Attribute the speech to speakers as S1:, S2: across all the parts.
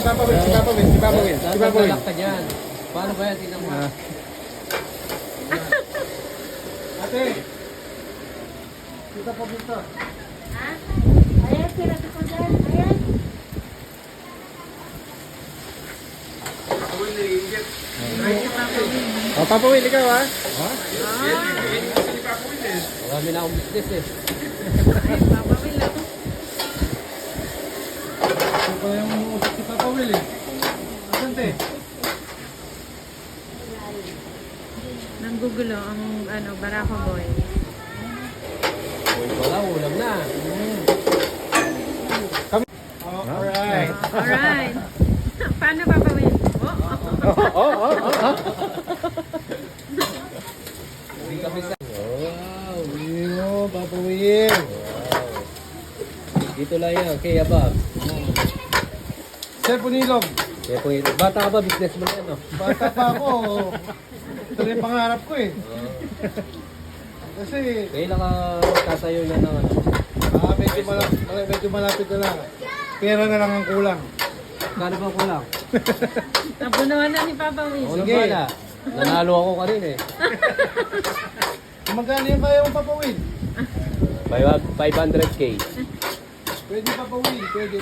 S1: Papa Will, si Papa Will, si Papa Will, si Papa Will.
S2: Naglalak ka dyan. Paano ba yan? Tingnan mo.
S1: Ate, kita pa dito.
S3: Ha? Ayan, sirati ko dyan. Ayan.
S1: Oh, Papa Will, ikaw ha?
S2: Marami na akong business eh.
S3: Papa Will ako.
S1: Ito pa yung usap si Papa Will eh. Asante?
S3: Nanggugulo ang Barako Boy.
S2: Wala, ulam na.
S1: Alright.
S3: Alright. Paano Papa Will?
S2: Hindi kami sa... Wow.
S1: Iyo, Papa Will.
S2: Wow. Dito lang yan, kay Abab.
S1: Sir Punilog,
S2: Kaya po yun. Bata ka ba? Business mo na yan, no?
S1: bata pa ako. Ito rin yung pangarap ko eh. Kasi,
S2: Kailan ka tatayo na ng ano?
S1: medyo malapit na lang. Pera na lang ang kulang.
S2: Kano ba kulang?
S3: Nabunuhan na ni Papa Will.
S2: Ako na
S1: Sige.
S2: bala. Nanalo ako kanina eh.
S1: Magkano yung kaya mo, Papa Will?
S2: 500k.
S1: Pwede, Papa Will. Pwede.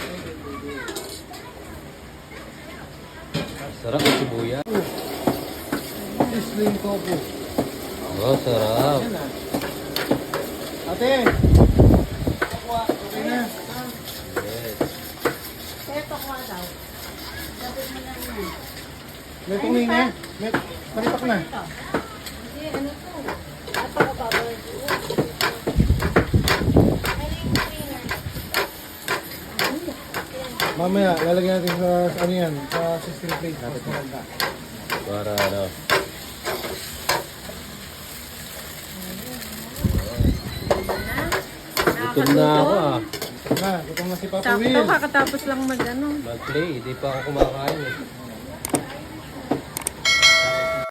S2: Sarap yung sibuya.
S1: Sling tofu.
S2: Oh, sarap.
S1: Yan ah. Ate! Aqua, okay na.
S2: Yes.
S3: Kaya pakwa daw. Dapat mo lang yan.
S1: May tumingin na. May palipak na.
S3: Hindi, ano to? Ato ka Papa Will.
S1: Mamaya, lalagyan natin sa ano yan, sa system plate. Tapos malagda.
S2: Para ano. Gutom na ako ah.
S1: Na, gutom na si Papa
S3: Sakto,
S1: Will.
S3: kakatapos lang mag-ano.
S2: Mag-play. Hindi pa ako kumakain eh.